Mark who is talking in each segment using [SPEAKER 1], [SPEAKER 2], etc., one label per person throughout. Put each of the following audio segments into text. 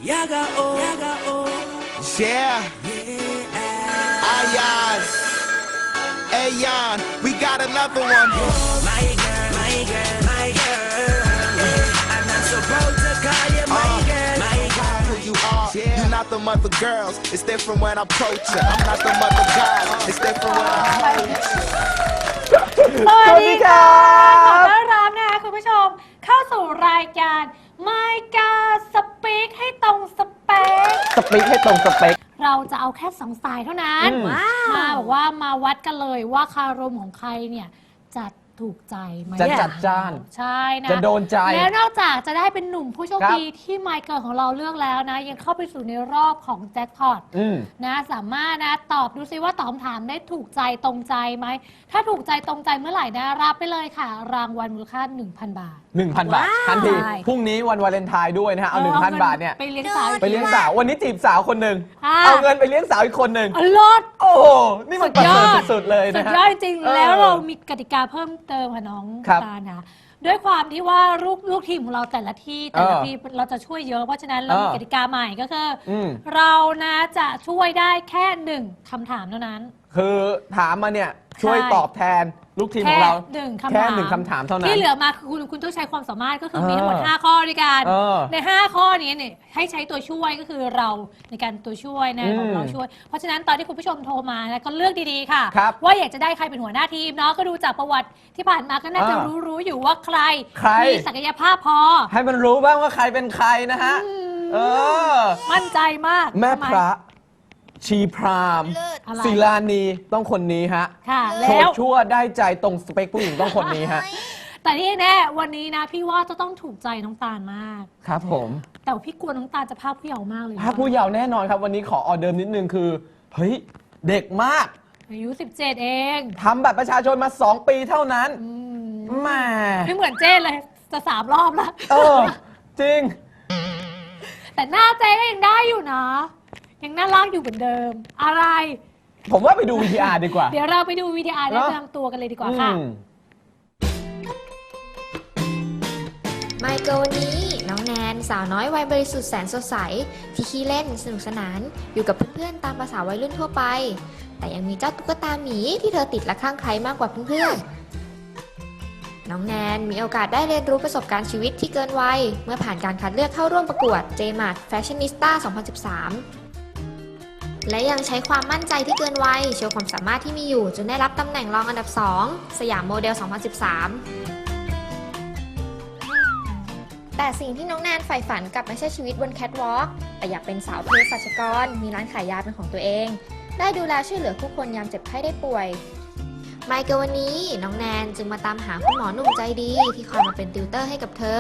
[SPEAKER 1] Yeah. Ayan. Ayan. We got another one. My girl, my girl, my girl. I'm not supposed to call you my girl. My girl. Who you are. You're not the mother girls. It's different when I approach you. I'm not the mother guys. It's different when I hold you.
[SPEAKER 2] สวัสดีค่ะขอต้อนรับนะคะคุณผู้ชมเข้าสู่รายการไม่กาสปีกให้ตรงสเปค
[SPEAKER 3] สปีกให้ตรงสเปค
[SPEAKER 2] เราจะเอาแค่2 สายเท่านั้นมาบอกว่ามาวัดกันเลยว่าคารมของใครเนี่ยจะถูกใจไหม
[SPEAKER 3] จะจัดจ้าน
[SPEAKER 2] ใช่นะ
[SPEAKER 3] จะโดนใจ
[SPEAKER 2] แล้วนอกจากจะได้เป็นหนุ่มผู้โชคดีที่ไมเคิลของเราเลือกแล้วนะยังเข้าไปสู่ในรอบของแจ็คพอตนะสามารถนะตอบดูซิว่าตอบคำถามได้ถูกใจตรงใจไหมถ้าถูกใจตรงใจเมื่อไหร่นะรับไปเลยค่ะรางวัลมูลค่า 1,000 บาท
[SPEAKER 3] 1,000 บาททันทีพรุ่งนี้วันวาเลนไทน์ด้วยนะฮะเอา 1,000 บาทเนี่ย
[SPEAKER 2] ไปเลี้ยงสาว
[SPEAKER 3] วันนี้จีบสาวคนหนึ่งเอาเงินไปเลี้ยงสาวอีกคนหนึ่ง
[SPEAKER 2] ลด
[SPEAKER 3] โอ้โหนี่มันประเสริฐสุดๆเลยนะฮะ
[SPEAKER 2] สุดยอดจริงแล้วเรามีกติกาเพิ่มเติมค่ะน้องตานะด้วยความที่ว่าลูกทีมของเราแต่ละที่เราจะช่วยเยอะเพราะฉะนั้นเรามีกติกาใหม่ก็คือเรานะจะช่วยได้แค่1 คำถามเท่านั้น
[SPEAKER 3] คือถามมาเนี่ยช่วยตอบแทนลูกทีมของเราแค่1 คำถามเท่านั้น
[SPEAKER 2] ที่เหลือมาคือคุณต้องใช้ความสามารถก็คือมีทั้งหมด5 ข้อด้วยกันใน5 ข้อนี้เนี่ยให้ใช้ตัวช่วยก็คือเราในการตัวช่วยนะของเราช่วยเพราะฉะนั้นตอนที่คุณผู้ชมโทรมานะก็เลือกดีๆค่ะว่าอยากจะได้ใครเป็นหัวหน้าทีมเนาะก็ดูจากประวัติที่ผ่านมาก็น่าจะรู้อยู่ว่าใครมีศักยภาพพอ
[SPEAKER 3] ให้มันรู้บ้างว่าใครเป็นใครนะฮะ
[SPEAKER 2] มั่นใจมาก
[SPEAKER 3] แม่พระชีพรามศิลานีต้องคนนี้ฮะโสดชั่วได้ใจตรงสเปคผู้หญิงต้องคนนี้ฮะ
[SPEAKER 2] แต่ที่แน่วันนี้นะพี่ว่าจะต้องถูกใจน้องตาลมาก
[SPEAKER 3] ครับผม
[SPEAKER 2] แต่พี่กลัวน้องตาลจะภาพผู้เยาว์มากเลย
[SPEAKER 3] ภาพผู้เยาว์แน่นอนครับวันนี้ขอออเดิมนิดนึงคือเฮ้ยเด็กมาก
[SPEAKER 2] อายุ17เอง
[SPEAKER 3] ทำบัตรประชาชนมา2 ปีเท่านั้นแม่
[SPEAKER 2] ไม่เหมือนเจ้เลยจะ3 รอบแล้ว
[SPEAKER 3] จริง
[SPEAKER 2] แต่หน้าเจ้ก็ยังได้อยู่นะยังน่ารักอยู่เหมือนเดิมอะไร
[SPEAKER 3] ผมว่าไปดู VTR ดีกว่า
[SPEAKER 2] เดี๋ยวเราไปดู VTR แนะนำตัวกันเลยดีกว่าค่ะ
[SPEAKER 4] ไมเคิลวันนี้น้องแนนสาวน้อยวัยบริสุทธิ์แสนสดใสที่ขี้เล่นสนุกสนานอยู่กับเพื่อนๆตามภาษาวัยรุ่นทั่วไปแต่ยังมีเจ้าตุ๊กตาหมีที่เธอติดและคลั่งไคล้มากกว่าเพื่อนๆน้องแนนมีโอกาสได้เรียนรู้ประสบการณ์ชีวิตที่เกินวัยเมื่อผ่านการคัดเลือกเข้าร่วมประกวด JMAT Fashionista 2013และยังใช้ความมั่นใจที่เกินวัยโชว์ความสามารถที่มีอยู่จนได้รับตำแหน่งรองอันดับ 2 สยามโมเดล 2013 แต่สิ่งที่น้องแนนใฝ่ฝันกลับไม่ใช่ชีวิตบนแคทวอล์กแต่อยากเป็นสาวเภสัชกรมีร้านขายยาเป็นของตัวเองได้ดูแลช่วยเหลือผู้คนยามเจ็บไข้ได้ป่วยไมเคิลวันนี้น้องแนนจึงมาตามหาคุณหมอหนุ่มใจดีที่คอยมาเป็นติวเตอร์ให้กับเธอ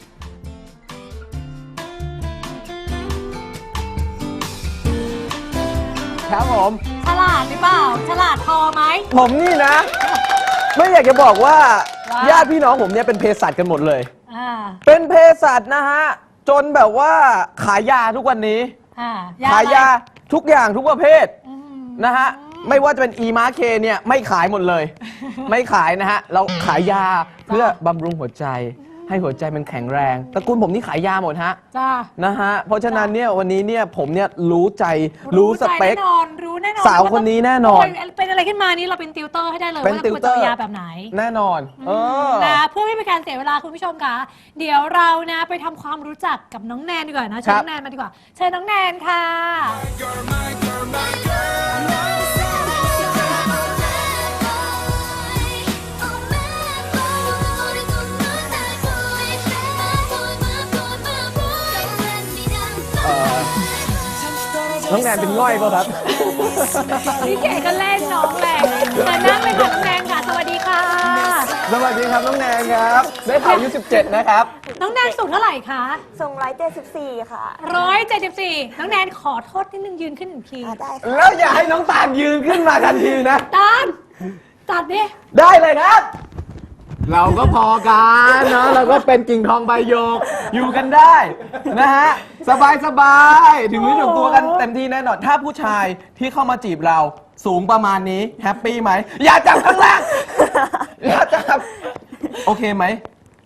[SPEAKER 3] ครับผม
[SPEAKER 2] ฉลาดหรือเปล่าฉลาดพอไหม
[SPEAKER 3] ผมนี่นะไม่อยากจะบอกว่าญาติพี่น้องผมเนี่ยเป็นเภสัชกันหมดเลยเป็นเภสัชนะฮะจนแบบว่าขายยาทุกวันนี้ขายยาทุกอย่างทุกประเภทนะฮะไม่ว่าจะเป็นอีมาเคเนี่ยไม่ขายหมดเลยไม่ขายนะฮะเราขายยาเพื่อบำรุงหัวใจให้หัวใจมันแข็งแรงตระกูลผมนี่ขายยาหมดฮะนะฮะเพราะฉะนั้นเนี่ยวันนี้เนี่ยผมเนี่ยรู้ใจรู้สเปค
[SPEAKER 2] รู้แน่นอน
[SPEAKER 3] สาวคนนี้แน่นอน
[SPEAKER 2] เป็นอะไรขึ้นมานี่เราเป็นติวเตอร์ให้ได้เลยว่าควรจะยาแบบไหน
[SPEAKER 3] แน่นอน
[SPEAKER 2] นะเพื่อไม่เป็นการเสียเวลาคุณผู้ชมค่ะเดี๋ยวเรานะไปทำความรู้จักกับน้องแนนดีกว่านะเชิญน้องแนนมาดีกว่าเชิญน้องแนนค่ะ
[SPEAKER 3] น้องแนนเป็นง่อยป่ะครับ
[SPEAKER 2] พี่เก๋ก็เล่นน้องแหละแต่นั่งเลยค่ะน้องแนนค่ะสวัสดีค่ะ
[SPEAKER 3] สวัสดีครับน้องแนนครับได้ข่าวอายุ17นะครับ
[SPEAKER 2] น้องแนนสูงเท่าไหร่คะ
[SPEAKER 5] สูง174ค่ะ
[SPEAKER 2] 174น้องแนนขอโทษนิดนึงยืนขึ้น1 ที
[SPEAKER 5] ได้
[SPEAKER 3] แล้วอย่าให้น้องตาลยืนขึ้นมาทันทีนะ
[SPEAKER 2] ตาลจัดดิ
[SPEAKER 3] ได้เลยครับเราก็พอกันเนาะเราก็เป็นกิ่งทองใบหยกอยู่กันได้นะฮะสบายถึงถึงตัวกันเต็มที่แน่นอนถ้าผู้ชายที่เข้ามาจีบเราสูงประมาณนี้แฮปปี้ไหมอย่าจับข้างล่างอย่าจับโอเคไหม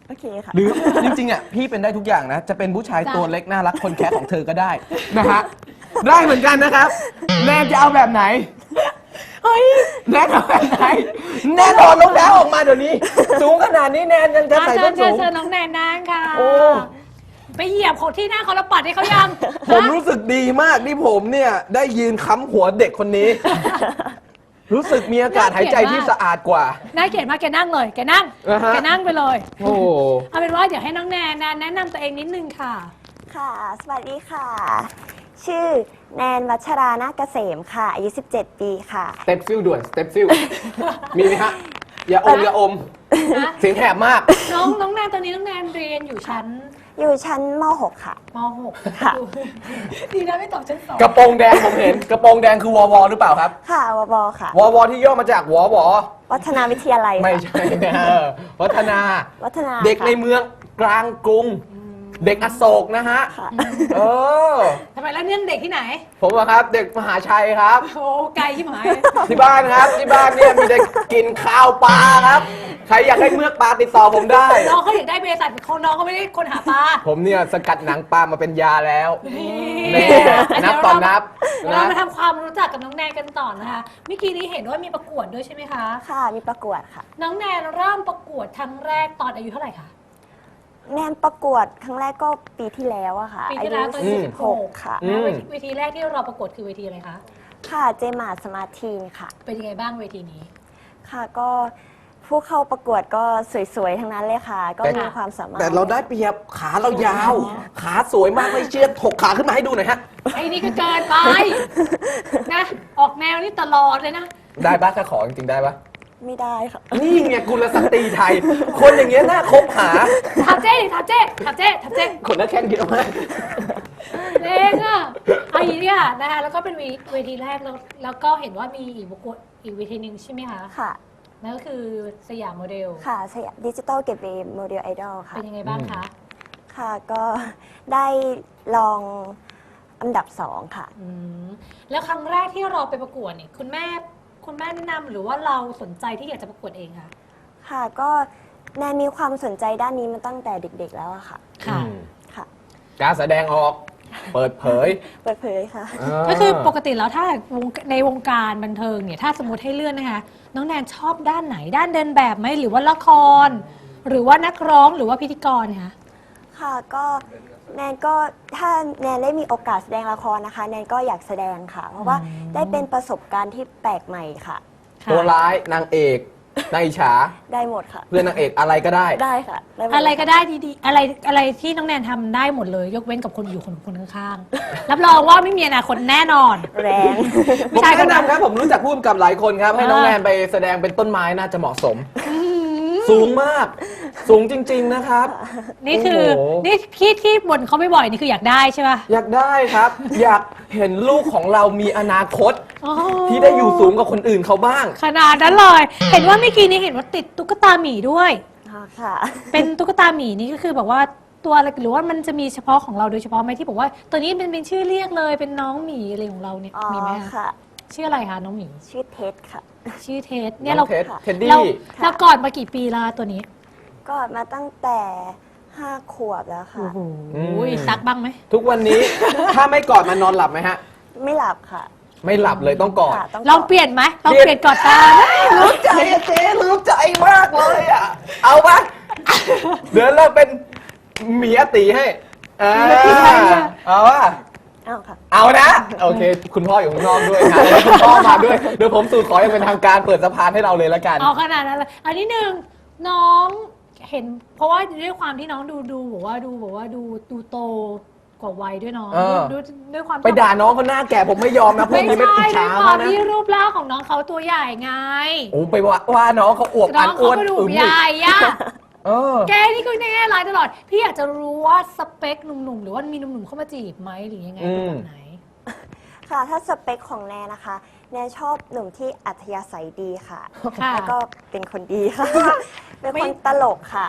[SPEAKER 5] โอเคค่ะ
[SPEAKER 3] หรือจริงๆอ่ะพี่เป็นได้ทุกอย่างนะ จะเป็นผู้ชายตัวเล็กน่ารักคนแค่ของเธอก็ได้นะฮะได้เหมือนกันนะครับแนนจะเอาแบบไหนเฮ้ยแนนเอาแบบไหนแนนถอดรองเท้าออกมาเดี๋ยวนี้ สูงขนาดนี้แนนยังจะใส่ส้นสูง
[SPEAKER 2] เชิญน้องแนนนั่งค่ะ
[SPEAKER 3] โอ้
[SPEAKER 2] ไปเหยียบของที่หน้าเขาแล้วปัดให้เขายัง
[SPEAKER 3] ผมรู้สึกดีมากที่ผมเนี่ยได้ยืนค้ำหัวเด็กคนนี้ รู้สึกมีอากาศหายใจที่สะอาดกว่า
[SPEAKER 2] น่าเกลียดมากแกนั่งเลยแกนั่ง
[SPEAKER 3] อ่าฮะ
[SPEAKER 2] แกนั่งไปเลย
[SPEAKER 3] โอ้
[SPEAKER 2] เอาเป็นว่าเดี๋ยวให้น้องแนนแนะนำตัวเองนิดนึงค่ะ
[SPEAKER 5] ค่ะ สวัสดีค่ะ ชื่อแนนวัชรานาคเกษมค่ะ อายุ 17 ปีค่ะ
[SPEAKER 3] สเต็ปซิลด่วนสเต็ปซิลมีไหมฮะอย่าอมอย่าอม
[SPEAKER 2] นะ
[SPEAKER 3] เสียงแหบมาก
[SPEAKER 2] น้องแนนตอนนี้น้องแนนเรียนอยู่ชั้น
[SPEAKER 5] อยู่ชั้นม .6 ค่ะ
[SPEAKER 2] ม .6
[SPEAKER 5] ค่ะ
[SPEAKER 2] ดีนะไม่ตอบชั้น2
[SPEAKER 3] กระโปรงแดงผมเห็นกระโปรงแดงคือวอวหรือเปล่าครับ
[SPEAKER 5] ค่ะวบค่ะ
[SPEAKER 3] วอที่ย่อมาจากวอว
[SPEAKER 5] วัฒนาวิทยาลัยค่ะ
[SPEAKER 3] ไม่ใช่นะวัฒนา
[SPEAKER 5] วัฒนา
[SPEAKER 3] เด็กใน
[SPEAKER 5] ค่ะ
[SPEAKER 3] เมืองกลางกรุง เด็กอโศกนะฮะ
[SPEAKER 5] ค่ะ
[SPEAKER 3] เออ
[SPEAKER 2] ทำไมแล้วเนี่ยเด็กที่ไหน
[SPEAKER 3] ผมอะครับ เด็กมหาชัยครับ
[SPEAKER 2] โอ้ไกลที่หมาย
[SPEAKER 3] ที่บ้านครับที่บ้านเนี่ยมีแต่กินข้าวปลาครับ ใครอยากได้เมือกปลาติดต่อผมได้
[SPEAKER 2] น้องเขาอยากได้บริษัทของน้องเขาไม่ได้คนหาปลา
[SPEAKER 3] ผมเนี่ยสกัดหนังปลามาเป็นยาแล้ว
[SPEAKER 2] นี่
[SPEAKER 3] นับต่อนับ
[SPEAKER 2] เดี๋ยวเรา
[SPEAKER 3] นะ
[SPEAKER 2] มาทำความรู้จักกับน้องแนนกันต่อนะคะเมื่อกี้นี้เห็นว่ามีประกวดด้วยใช่ไหมคะ
[SPEAKER 5] ค่ะ มีประกวดค่ะ
[SPEAKER 2] น้องแนนเริ่มประกวดครั้งแรกตอนอายุเท่าไหร่คะ
[SPEAKER 5] แนนประกวดครั้งแรกก็ปีที่แล้วอะค่ะ
[SPEAKER 2] ปี
[SPEAKER 5] อา
[SPEAKER 2] ที่
[SPEAKER 5] ยุ
[SPEAKER 2] แล้วตอนอายุ
[SPEAKER 5] 16 ค่ะ
[SPEAKER 2] นะเวทีแรกที่เราประกวดคือเวทีอะไรคะ
[SPEAKER 5] ค่ะเจมาสมาร์ททีนค่ะ
[SPEAKER 2] เป็นยังไงบ้างเวทีนี้
[SPEAKER 5] ค่ะก็ผู้เข้าประกวดก็สวยๆ ทั้งนั้นเลยค่ะ ก็มีความสามารถ
[SPEAKER 3] แต่เราได้เปรียบขาเรายาว ขาสวยมากไม่เชื่อถกขาขึ้นมาให้ดูหน่อยฮะ
[SPEAKER 2] ไอ้นี่ก็เกินไปนะออกแนวนี่ตลอดเลยนะ
[SPEAKER 3] ได้ปะถ้าขอจริงๆได้ปะ
[SPEAKER 5] ไม่ได้ค่ะ
[SPEAKER 3] นี่ไงกุลสตรีไทย คนอย่างเงี้ยน่าคบหา
[SPEAKER 2] ถามเจ๊ดิถามเจ๊ถามเจ๊ถามเจ๊
[SPEAKER 3] คนน่าแข้งเยอะมาก
[SPEAKER 2] เองอ่ะเอาอย่างนี้ค่ะนะคะแล้วก็เป็นเวทีแรกแล้วก็เห็นว่ามีอีกประกวดอีกเวทีหนึ่งใช่ไหมคะ
[SPEAKER 5] ค่ะ
[SPEAKER 2] นั่นก็คือสยามโมเดล
[SPEAKER 5] ค่ะสยามดิจิตอลเกตเวย์โมเดลไอดอลค่ะ
[SPEAKER 2] เป็นยังไงบ้างคะ
[SPEAKER 5] ค่ะก็ได้ลองอันดับ 2 ค่ะ
[SPEAKER 2] อืมแล้วครั้งแรกที่เราไปประกวดเนี่ยคุณแม่แนะนำหรือว่าเราสนใจที่อยากจะประกวดเองคะ
[SPEAKER 5] ค่ะก็แนนมีความสนใจด้านนี้มาตั้งแต่เด็กๆแล้วอะค่ะ
[SPEAKER 2] ค่ะ
[SPEAKER 5] ค่ะ
[SPEAKER 3] การแสดงออก เปิดเผย
[SPEAKER 5] เปิดเผยค่ะ
[SPEAKER 2] ก็คือปกติแล้วถ้าในวงการบันเทิงเนี่ยถ้าสมมติให้เลื่อนนะคะน้องแนนชอบด้านไหนด้านเดินแบบไหมหรือว่าละคร หรือว่านักร้องหรือว่าพิธีกรคะ
[SPEAKER 5] ค่ะก็แนนก็ถ้าแนนได้มีโอกาสแสดงละครนะคะ แนนก็อยากแสดงค่ะ เพราะว่าได้เป็นประสบการณ์ที่แปลกใหม่ค่ะ
[SPEAKER 3] ตัวร้ายนางเอกนายอิจฉา
[SPEAKER 5] ได้หมดค่ะ
[SPEAKER 3] เพื่อนนางเอกอะไรก็ได้
[SPEAKER 5] ได้ค่ะด้หมด
[SPEAKER 2] อะไรก็ได้ดีๆอะไรที่น้องแนนทำได้หมดเลย ยกเว้นกับคนอยู่คนข้างๆ รับรองว่าไม่มีอนาคตแน่นอน
[SPEAKER 5] แรง
[SPEAKER 3] ผม
[SPEAKER 2] ใช่ครับ
[SPEAKER 3] แนะนำครับผมรู้จักพูดกับหลายคนครับ ให้น้องแนนไปแสดงเป็นต้นไม้น่าจะเหมาะสม สูงมาก สูงจริง ๆนะครับ
[SPEAKER 2] นี่คือ
[SPEAKER 3] โอ้โห
[SPEAKER 2] นี่ที่บ่นเขาไม่บ่อยๆนี่คืออยากได้ใช่ป่ะ
[SPEAKER 3] อยากได้ครับ อยากเห็นลูกของเรามีอนาคต
[SPEAKER 2] อ๋อ
[SPEAKER 3] ที่ได้อยู่สูงกว่าคนอื่นเขาบ้าง
[SPEAKER 2] ขนาดนั้นเลย เห็นว่าเมื่อกี้นี้เห็นว่าติดตุ๊กตาหมีด้วย
[SPEAKER 5] ค่ะ
[SPEAKER 2] เป็นตุ๊กตาหมีนี่ก็คือแบบว่าตัวอะไรหรือว่ามันจะมีเฉพาะของเราโดยเฉพาะไหมที่บอกว่าตัวนี้เป็นชื่อเรียกเลยเป็นน้องหมีอะไรของเราเนี่ย
[SPEAKER 5] อ๋อ
[SPEAKER 2] มีไหมคะ
[SPEAKER 5] ค่ะ
[SPEAKER 2] ชื่ออะไรคะน้องหมี
[SPEAKER 5] ชื่อเท็ดค่ะ
[SPEAKER 2] ชื่อเทสเนี่ย
[SPEAKER 3] น้
[SPEAKER 2] เรา
[SPEAKER 3] องเท็ด
[SPEAKER 5] ค่ะ
[SPEAKER 3] เท็ดดี้
[SPEAKER 2] เราก่อนมากี่ปีและตัวนี้
[SPEAKER 5] ก็มาตั้งแต่ 5 ขวบแล้วค่ะ
[SPEAKER 2] อุ้ยซักบ้างไหม
[SPEAKER 3] ทุกวันนี้ ถ้าไม่กอดมันนอนหลับไหมฮะ
[SPEAKER 5] ไม่หลับค่ะ
[SPEAKER 3] ไม่หลับเลยต้องกอด
[SPEAKER 5] ค่ะต้อง
[SPEAKER 2] ลองเปลี่ยนไหมลองเปลี่ยนกอดตา
[SPEAKER 3] รู้ใจอะเจ๊รู้ใจมากเลยอ่ะ เอาปะเดี๋ยวเราเป็นหมีอาตีให้เอาปะ
[SPEAKER 5] อ้าวค่ะ
[SPEAKER 3] เอานะ โอเค คุณพ่ออยู่ข้างนอกด้วยนะแล้วคุณพ่อมาด้วย เดี๋ยวผมสู่ขออย่างเป็นทางการเปิดสะพานให้เราเลยละกัน
[SPEAKER 2] เอาขนาดนั้นเลยอันนี้หนึ่งน้องเห็น เพราะว่าด้วยความที่น้องดูบอกว่าดูโตกว่าวัยด้วยเน้อง
[SPEAKER 3] เออ
[SPEAKER 2] ด้วยความ
[SPEAKER 3] ไปด่าน้องเขาหน้าแก่ผมไม่ยอมนะพวก
[SPEAKER 2] ไม่
[SPEAKER 3] นี้ไม่
[SPEAKER 2] ใช่
[SPEAKER 3] อิจ
[SPEAKER 2] ด้วย
[SPEAKER 3] ฉา
[SPEAKER 2] ควา
[SPEAKER 3] เขา
[SPEAKER 2] ม
[SPEAKER 3] นะ
[SPEAKER 2] ที่รูปร่างของน้องเขาตัวใหญ่ไง
[SPEAKER 3] โอ้ไปว่าน้องเขาอวบ
[SPEAKER 2] น้
[SPEAKER 3] อั
[SPEAKER 2] อน ง
[SPEAKER 3] อ้
[SPEAKER 2] เขา
[SPEAKER 3] วน
[SPEAKER 2] ก็ดู
[SPEAKER 3] อึม
[SPEAKER 2] ใหญ่อะ
[SPEAKER 3] เออ
[SPEAKER 2] แกนี่ก็แน่ร้ายตลอด พี่อยากจะรู้ว่าสเปคหนุ่มๆหรือว่ามีหนุ่มๆเข้ามาจีบไหมหรือยังไงเป็นแบบไหน
[SPEAKER 5] ค่ะ ถ้าสเปคของแนนนะคะ แนนชอบหนุ่มที่อัธยาศัยดีค่ะ
[SPEAKER 2] ค่ะ
[SPEAKER 5] แล้วก็เป็นคนดีค่ะ เป็นคนตลกค่ะ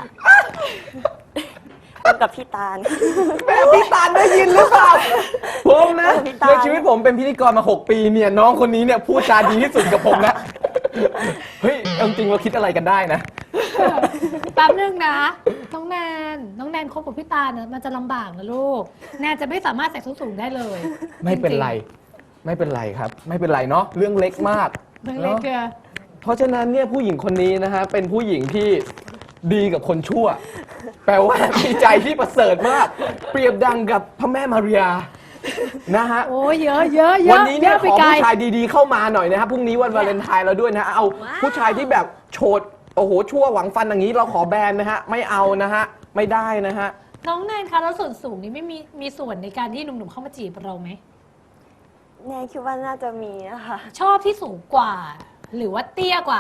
[SPEAKER 5] เป็นกับพี่ตาล
[SPEAKER 3] แม่พี่ตาลได้ยินหรือเปล่า ผมนะ
[SPEAKER 5] พี่ตาล
[SPEAKER 3] ในชีวิตผมเป็นพิธีกรมา 6 ปีเนี่ยน้องคนนี้เนี่ยพูดจาดีที่สุดกับผมนะ เฮ้ยเอาจริงเราคิดอะไรกันได้นะ
[SPEAKER 2] แป๊บนึงนะน้องแนนคบกับพี่ตาลนะมันจะลำบากนะลูก แนนจะไม่สามารถใส่ส้นสูงได้เลย
[SPEAKER 3] ไม่เป็นไร ไม่เป็นไรครับ ไม่เป็นไรเนาะเรื่องเล็กมาก
[SPEAKER 2] เรื่องเล็กเกิน
[SPEAKER 3] เพราะฉะนั้นเนี่ยผู้หญิงคนนี้นะฮะเป็นผู้หญิงที่ดีกับคนชั่ว แปลว่ามีใจที่ประเสริฐมาก เปรียบดังกับพระแม่มารียานะฮะ
[SPEAKER 2] โอ้เยอะ
[SPEAKER 3] วันนี้เนี่ยข
[SPEAKER 2] ไป
[SPEAKER 3] อ
[SPEAKER 2] ไกล
[SPEAKER 3] ผู้ชายดีๆเข้ามาหน่อยนะครับพรุ่งนี้วันวาเลนไทน์เราด้วยนะฮะเอาผู้ชายที่แบบโฉดโอ้โหชั่วหวังฟันอย่างนี้เราขอแบนนะฮะไม่เอานะฮะไม่ได้นะฮะ
[SPEAKER 2] น้องแนนคะแล้วส่วนสูงนี่ไม่มีส่วนในการที่หนุ่มๆเข้ามาจีบเราไหม
[SPEAKER 5] แนนคิดว่าน่าจะมีนะคะ
[SPEAKER 2] ชอบที่สูงกว่า หรือว่าเตี้ยกว่า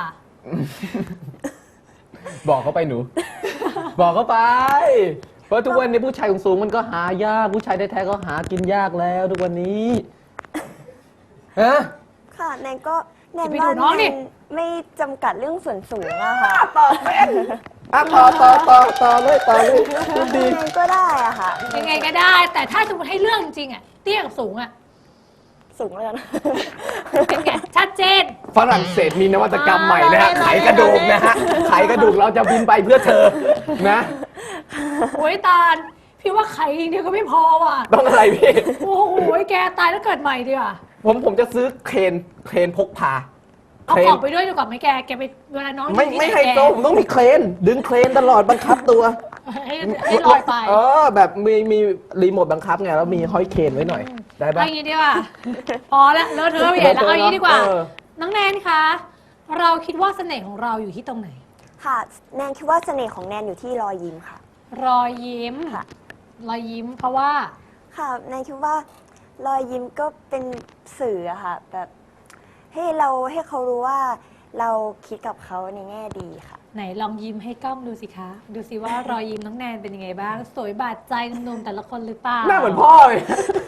[SPEAKER 3] บอกเขาไปหนู บอกเขาไป เพราะทุกวันนี้ผู้ชายสูงๆมันก็หายากผู้ชายแท้ๆก็หากินยากแล้วทุกวันนี้ฮะ
[SPEAKER 5] ค่ะแนนก็แนน
[SPEAKER 2] จะไป
[SPEAKER 5] ว่า
[SPEAKER 2] ดูน้องดิ
[SPEAKER 5] แนนไม่จำกัดเรื่องส่วนสูงอะค่ะ
[SPEAKER 3] ต่อเป็นต่อเลยดี
[SPEAKER 5] แนนก็ได้อะค่ะ
[SPEAKER 2] ยังไงก็ได้ แต่ถ้าสมมติให้เรื่องจริงๆอะเตี้ยกับสูงอะ
[SPEAKER 5] สูงแล้วกัน
[SPEAKER 2] เป็นไงชัดเจน
[SPEAKER 3] ฝรั่งเศสมีนวัตกรรมใหม่นะฮะ
[SPEAKER 2] อ๋อ
[SPEAKER 3] ไขกระดูกนะฮะไขกระดูกเราจะบินไปเพื่อเธอนะ
[SPEAKER 2] โอ้ยตาลพี่ว่าไข่อย่างเดียวก็ไม่พอว่ะ
[SPEAKER 3] ต้องอะไรพี่
[SPEAKER 2] โอ้โหแกตายแล้วเกิดใหม่ดีกว่า
[SPEAKER 3] ผมจะซื้อเครนพกพา
[SPEAKER 2] เอา
[SPEAKER 3] เคร
[SPEAKER 2] ข
[SPEAKER 3] น
[SPEAKER 2] องไปด้วยดีกว่าไหมแกไปเวลาน้อง
[SPEAKER 3] ไม่
[SPEAKER 2] อยู่ที่
[SPEAKER 3] ไม่
[SPEAKER 2] หน
[SPEAKER 3] ให้โซ่ผมต้องมีเครน ดึงเครนตลอดบังคับตัว
[SPEAKER 2] ให้ลอยไป
[SPEAKER 3] แบบมีรีโมทบังคับไงแล้วมีห้อยเครนไว้หน่อย ได้ปะ
[SPEAKER 2] เอาอย่างนี้ดีกว่า พอแล้วเลอะเทอะไปใหญ่แล้วเอาอย่างนี้ดีกว่า น้องแนนคะ เราคิดว่าเสน่ห์ของเราอยู่ที่ตรงไหน
[SPEAKER 5] ค่ะแนนคิดว่าเสน่ห์ของแนนอยู่ที่รอยยิ้มค่ะ
[SPEAKER 2] รอยยิ้ม
[SPEAKER 5] ค่ะ
[SPEAKER 2] รอยยิ้มเพราะว่า
[SPEAKER 5] ค่ะแนนคิดว่ารอยยิ้มก็เป็นสื่ออะค่ะ แบบให้เขารู้ว่าเราคิดกับเขาในแง่ดีค่ะ
[SPEAKER 2] ไหนลองยิ้มให้กล้องดูสิคะ ดูสิว่ารอยยิ้มน้องแนนเป็นยังไงบ้าง สวยบาดใจหนุ่มๆแต่ละคนหรือเปล่า
[SPEAKER 3] หน้าเหมือนพ่อเลย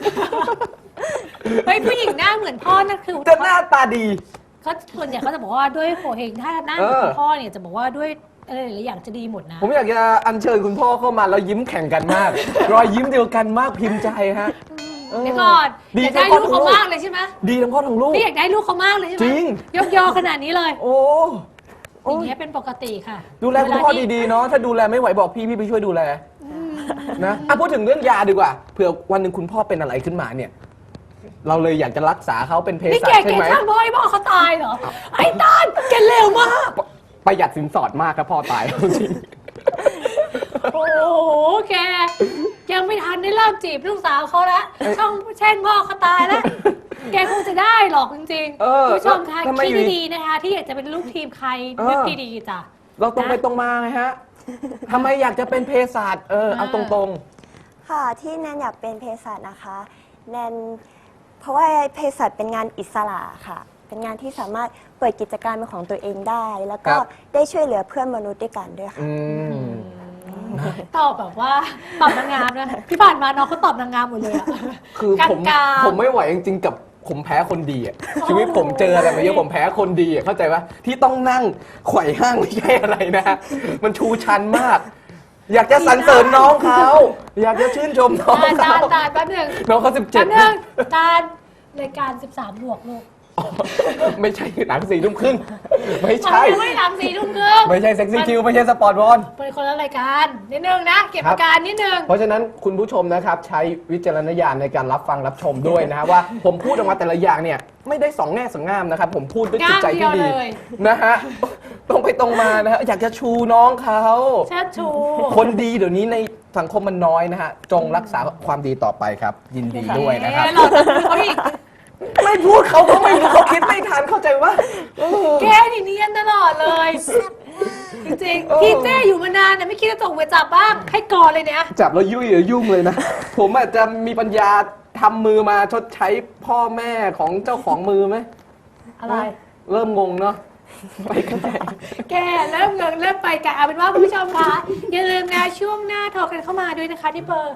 [SPEAKER 2] เฮ้ยผู้หญิงหน้าเหมือนพ่อนั่นคือ
[SPEAKER 3] จะหน้าตาดี
[SPEAKER 2] ก็ส่วนใหญ่เขาจะบอกว่าด้วยโผเฮงถ้าหน้าเหมือนคุณพ่อเนี่ยจะบอกว่าด้วยอะไรหลายอย่างจะดีหมดนะ
[SPEAKER 3] ผมอยากจะอัญเชิญคุณพ่อเข้ามาแล้วยิ้มแข่งกันมาก รอยยิ้มเดียวกันมากพิมพ์ใจฮะ
[SPEAKER 2] เดี๋ยวก่อน
[SPEAKER 3] ดี
[SPEAKER 2] อยากได้ลูกเขามากเลยใช่ไหม
[SPEAKER 3] ดีทั้งพ่อทั้งลูก
[SPEAKER 2] พี่อยากได้ลูกเขามากเลยใช่ไหม
[SPEAKER 3] จริง
[SPEAKER 2] ยกยอขนาดนี้เลย
[SPEAKER 3] โอ้
[SPEAKER 2] อย่างเงี้ยเป็นปกติค่ะ
[SPEAKER 3] ดูแลคุณพ่อดีๆเนาะถ้าดูแลไม่ไหวบอกพี่ไปช่วยดูแลนะพูดถึงเรื่องยาดีกว่าเผื่อวันหนึ่งคุณพ่อเป็นอะไรขึ้นมาเนี่ย เราเลยอยากจะรักษาเขาเป็นเภ
[SPEAKER 2] นี่
[SPEAKER 3] สัช
[SPEAKER 2] แก
[SPEAKER 3] ใช่ไหม
[SPEAKER 2] ช่างพ่อให้พ่อเขาตายเหรอ ไอ้ตานแกเร็วมาก
[SPEAKER 3] ประหยัดสินสอดมากครับพ่อตายจริง
[SPEAKER 2] โอ้โหแกยังไม่ทันได้เริ่มจีบลูกสาวเขาแล้วช่องแช่งพ่อเขาตายแล้ว แกคงจะได้หรอกจริง
[SPEAKER 3] เออ
[SPEAKER 2] ๆผู้ชมคะ
[SPEAKER 3] ทำไม
[SPEAKER 2] คิด
[SPEAKER 3] อยู่
[SPEAKER 2] ดีๆนะคะ ที่อยากจะเป็นลูกทีมใคร
[SPEAKER 3] เออ
[SPEAKER 2] นึกดีๆจ้ะ
[SPEAKER 3] เราตรงไปตรงมาไงฮะทำไมอยากจะเป็นเภสัชเอาตรง
[SPEAKER 5] ค่ะที่แนนอยากเป็นเภสัชนะคะแนนเพราะว่าเภสัชเป็นงานอิสระค่ะ เป็นงานที่สามารถเปิดกิจการเป็นของตัวเองได้ แล้วก็ได้ช่วยเหลือเพื่อนมนุษย์ด้วยกันด้วยค่ะ
[SPEAKER 2] ตอบแบบว่าตอบนางงามนะที่ผ่านมาน้องเขาตอบนางงามหมดเลยอะ
[SPEAKER 3] คือผม
[SPEAKER 2] กลางๆ
[SPEAKER 3] ผมไม่ไหวจริงๆกับผมแพ้คนดีอ่ะชีวิตผมเจออะไรมาเยอะผมแพ้คนดีอ่ะเข้าใจปะที่ต้องนั่งไขว่ห้างไม่ใช่อะไรนะ มันชูชันมาก อยากจะสรรเสริญน้องเขาอยากจะชื่นชมน้อง
[SPEAKER 2] ตา
[SPEAKER 3] เขา
[SPEAKER 2] ลแป๊บหนึ่ง
[SPEAKER 3] น้องเขา
[SPEAKER 2] แป๊บ
[SPEAKER 3] 17
[SPEAKER 2] หนึ่งตาลรายการ 13 บวกลูก
[SPEAKER 3] ไม่ใช่หนัง4 ทุ่มครึ่งไม่ใช่
[SPEAKER 2] มันไม่ทำ4 ทุ่มครึ่ง
[SPEAKER 3] ไม่ใช่เซ็กซี่คิวไม่ใช่สปอร์ตบอล
[SPEAKER 2] เป็นคนละรายการนิดนึงนะ เก็บอาการนิดนึง
[SPEAKER 3] เพราะฉะนั้นคุณผู้ชมนะครับใช้วิจารณญาณในการรับฟังรับชมด้วยนะฮะว่าผมพูดออกมาแต่ละอย่างเนี่ยไม่ได้สองแง่สองงามนะครับผมพูดด้วยจิตใจที่ดี
[SPEAKER 2] ง่ามเดียวเลย
[SPEAKER 3] นะฮะตรงไปตรงมานะฮะอยากจะชูน้องเขา
[SPEAKER 2] เชิดชู
[SPEAKER 3] คนดีเดี๋ยวนี้ในสังคมมันน้อยนะฮะจงรักษาความดีต่อไปครับ ยินดีด้วยนะครับ
[SPEAKER 2] เอ๊ะเราจะพูดเขาอีก
[SPEAKER 3] ไม่พูดเขาก็ไม่รู้เขาคิดไม่ทันเข้าใจว่า
[SPEAKER 2] แกนี่เนียนตลอดเลย จริงๆทีมเจ้อยู่มานานนะไม่คิดจะส่งไปจับบ้างให้ก่อนเลยเนี่ย
[SPEAKER 3] จับแล้วยุ่งเลยนะ ผมอาจจะมีปัญญาทำมือมาชดใช้พ่อแม่ของเจ้าของมือไหม
[SPEAKER 2] อะไร
[SPEAKER 3] เริ่มงงเนาะไปกันใหญ่
[SPEAKER 2] แกเริ่มเงินเริ่มไปกันเอาเป็นว่าคุณผู้ชมคะอย่าลืมนะช่วงหน้าโทรกันเข้ามาด้วยนะคะที่เบอร์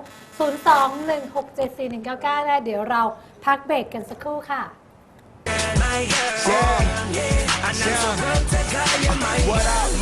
[SPEAKER 2] 021674199 นะเดี๋ยวเราพักเบรกกันสักครู่ค่ะ
[SPEAKER 1] my girl. Yeah, yeah. I'm not so broke to call you my girl.